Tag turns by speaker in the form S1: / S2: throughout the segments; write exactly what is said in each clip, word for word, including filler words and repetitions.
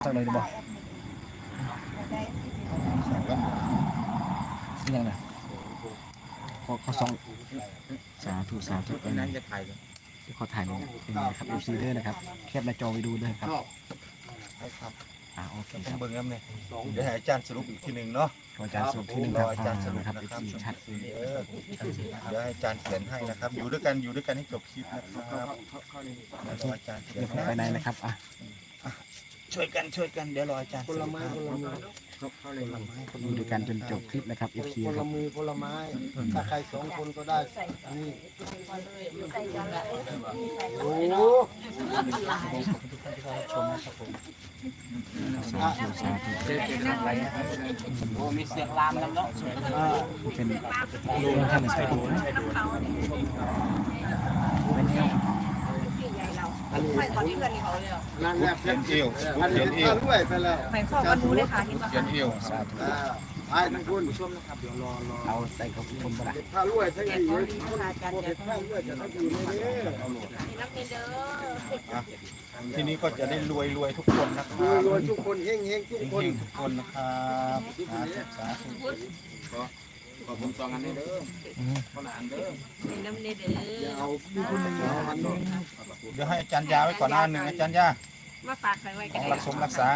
S1: สักเลยดีบอกยังไงขอขอสองสาธุสาธุเป็นไงจะถ่ายเลยขอถ่ายลงเป็นไงครับเอฟซีด้วยนะครับแคปหน้าจอไปดูด้วยครับ
S2: ครับ
S1: อ่าโอเคค
S2: ต้อ
S1: รั
S2: ง
S1: บ
S2: เบิ่งน้ำเนี่ยเดี๋ยวให้อาจารย์สรุปอีกทีหนึ่งเนาะ
S1: อาจารย์สรุปที่หนึ่งครับอาจารย์สรุปครับเอฟซีชัด
S2: เออเดี๋ยวให้อาจารย์เขียนให้นะครับ อยู่ด้วยกันอยู่ด้วยกันให้จบคลิปนะครับรออาจารย์เขียน
S1: เดี๋ยวผมไปไหนนะครับอ่ะ
S2: ช่วยกันช่วยกันเดี๋ยวรออาจารย์
S3: ผลไม้ผลไม้
S1: อยู่ด้วยกันจนจบคลิปนะครับเอฟซี
S3: ผ
S1: ค
S3: ล
S1: รับ
S3: มือผลไม้ถ้าใครสองคนก็ได้อันนี้โอ้
S1: สาธุสาธุ
S4: โอ้มีเสียงลามแล้วเนาะ
S1: เป็นเรื่องท่านสาธุนะเป็นไง
S3: อันนี้
S5: ไม่ตอนนี้เพื่อนเขาเลย
S3: นั่นแหละ
S2: เขียนเอว
S3: อัน
S2: เขี
S3: นี้
S2: ยนเอว
S3: ก็ด้วยไปแล้ว
S5: หมายความว่ารู้เลยค่ะที่ว่า
S2: เขียนเอว
S1: สาธุ
S3: อ่าไปทั้งคุณ
S1: เอาใส่กับคนก็ได้
S3: ถ้ารวยทั้ง
S5: แก
S3: ดี
S5: เขา
S3: เลย
S5: ดีค่ะอาจารย์
S3: พวก
S5: แก
S3: เด็ก
S5: เขา
S3: ข้างด้วยจะทั้งดีเลยเด้อ
S5: มีน้ำเงินเด้อ
S2: อ่ะทีนี้ก็จะได้รวยรวยทุกคนนะค
S3: ร
S2: รั
S3: วย
S2: บ
S3: รวยทุกคนเฮงเฮงทุกคน
S2: เฮงๆทุกคนนะครับสาธุสาธุ
S4: ขอผมสองอันนี้เด้อคนละอันเด้อ
S5: มีน้ำเงินเด้
S3: อย่า
S5: อ
S3: เอาพี่คุณเอาพันหนึ่ง
S2: เดี๋ยวให้อาจารย์ยาไว้ก่อนหน้าหนึ่งอาจารย์ยา
S5: มาฝากใครไว้
S2: ข
S5: กั
S2: อน ง
S5: ได้
S2: รักสมรักษา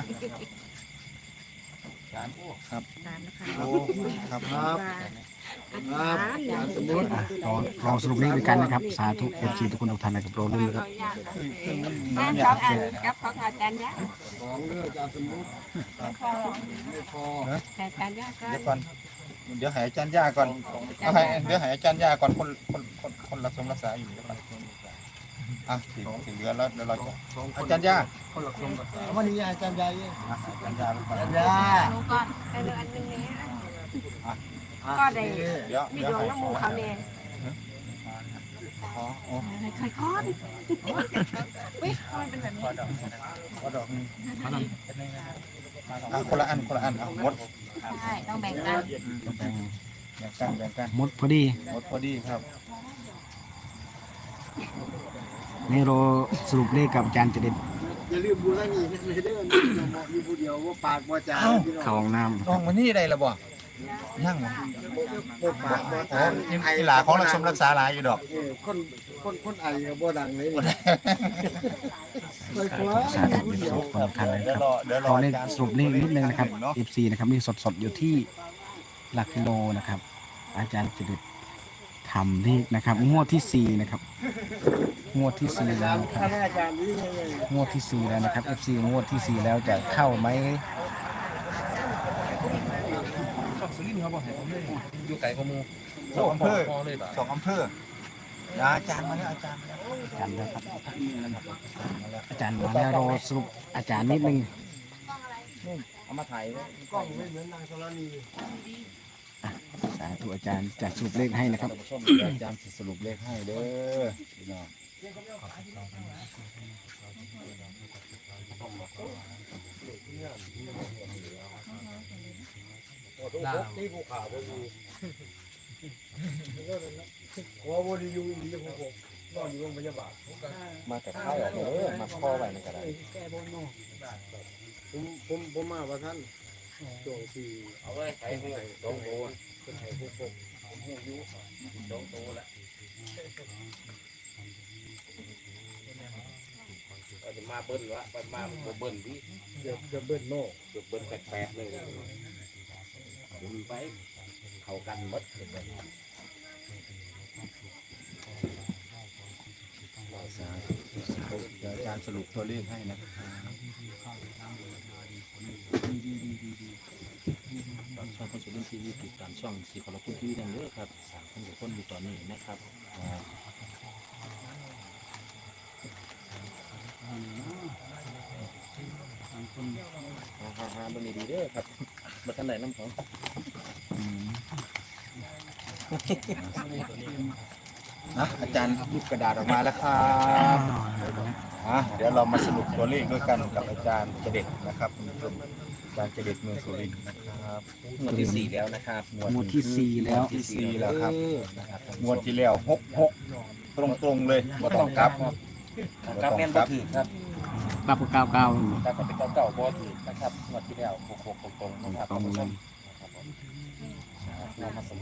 S2: ครับ
S5: ตามนะคะ
S2: โอ้ครับ
S3: ครับครับอย่าสมมติ
S1: อ่ะรอรอสรุปเลขด้วยกันนะครับสาธุเอฟซีทุกคนทุกท่านนะครับรอรุ่นนะครับ
S5: แม่สองอันกับของอาจารย์ยะ
S3: ของเรื่องจะสมมติไม่พอ
S5: อาจารย์ยะก็
S2: เดี๋ยวก่อนเดี๋ยวให้อาจารย์ยาก่อนเอาให้เดี๋ยวให้อาจารย์ยาก่อนคนคนคนคนรักสมรักษาอยู่เดี๋ยวก่อนอ่ะถึงถึงเดือนแล้วเดี๋ยวเราจะอาจารย์ยา
S3: วันนี้อาจารย์ใหญ่
S2: อ่ะอาจารย์ยาไปก่อน
S3: อาจารย์ใหญ่
S5: ลงก่อนไปเลยอันนึงนี้ก็ได้
S2: เดี๋ยว
S5: มี
S2: เดี๋ยว
S5: ดวง
S2: ให้
S5: น้ำมูเขาเนี่ย
S2: อ๋ออ๋อ
S5: ค่อยๆคอนวิมันเป็นแบบนี้
S2: ขอดอกหนึงอ่ะคนละอันคนละอันเอาหมด
S5: ใช่ต้องแบ่งกัน
S1: แบ่ง
S2: แบ่งกันแบ่งกัน
S1: หมดพอดี
S2: หมดพอดีครับ
S1: นี่รอสรุปเลขกับอาจารย์จะเด็ด
S3: อย่าลืมบุญแล้วนี่เลยเด้อเหมาะอยู่ผู้เดียวว่าปากว่าจา
S1: เข้าห้องน้ำ
S2: น้องวันนี้ได้ละบ่ยั่งบ่
S3: บ่ปากว่า
S2: อ๋อ
S3: จา
S2: นี่อีหลาของรักสมรักษาหลายอยู่ดอก
S3: เออคนคนคนไอก็บ่ดังเลยไปคว้า
S1: สาธุเป็นทุกคนทุกท่านเลย
S2: เดี๋
S1: ค
S2: ยว
S1: รับ
S2: รอเดี๋ยวร
S1: ข
S2: อ
S1: อเลข
S2: อาจารย์
S1: สรุปเลขนิดนึงนะครับ เอฟซีนะครับนี่สดๆอยู่ที่หลักกิโลนะครับ อาจารย์จะเด็ดทำเลขนะครับงวดที่สี่นะครับงวดที่สี่แล้วนะครับ
S3: ท่านอาจารย์นี่ไง
S1: งวดที่สี่แล้วนะครับ เอฟซีงวดที่สี่แล้วจะเข้าไหม
S4: อยู่ไก่ขมู
S2: สองอำเภอสองอำเภอนะอาจารย์มาแล้วอาจารย์มาแล้ว
S1: อาจารย์นะครับอาจารย์มาแล้วรอสรุปอาจารย์นิดนึง
S2: เอามาถ่ายไว้
S3: กล้องไม่เหมือนนางธรณี
S1: สาธุอาจารย์จะสรุปเลขให้นะครับ
S2: ท่านผู้ชมเดี๋ยวอาจารย์สิสรุปเลขให้เด้อพี่น้อง
S3: นี่ภูเขาบ่อยู่ขอบ่ได้อยู่อีกแล้วผมนอนอยู่โรงพยาบาล
S2: มาแต่ข้าวเด้อมาข้อไว้ในกระดาษ
S3: ผมผมผมมาว่าท่านช่วงที่
S4: เอาไว้ไก่หูสองโต
S3: เป็นไห้พวกผม
S4: หูอยู่สองโตแหละเอาจะมาเบิ้ลวะไปมาบ่เบิ้ลพี่
S3: เดี๋ยวจะเบิ้ลโน่
S4: เดี๋ยวเบิ้ลแปลกๆเลยบุญไปเข้ากันหมด
S2: เดี๋ยวอาจารย์สรุปตัวเลขให้นะครับ
S4: ตอนช่องคนสุรินทร์ทีวีติดตามช่องสีขอรคุณทีวีดังเยอะครับสามคนกับคนอยู่ตอนนี้นะครับฮ่าฮ่าๆๆมันดีๆเด้อครับมาท่านไหนน้ำของ
S2: นะอาจารย์รูปกระดาษออกมาแล้วครับอ่ะเดี๋ยวเรามาสรุปตัวเลขด้วยกันกับอาจารย์เจเด็ดนะครับคุณผู้ชมอาจารย์เจเด็ดเมืองสุรินทร์นะครับ
S4: งวดที่สี่แล้วนะครับ
S1: งวดที่สี่แล้ว
S2: ที่สี่แล้วครับงวดที่แล้วหกหกตรงๆเลยบ่ต้องกลับ
S4: ครับแม่นบ่ถือครับ
S1: กลับกับเก้าเก้า
S4: แต่ก็เป็นเก้าเก้าบ่ถือนะครับงวดที่แล้วหกหกตรงๆนะครับท่านผู้ชมนะครับผมเรามาสรุป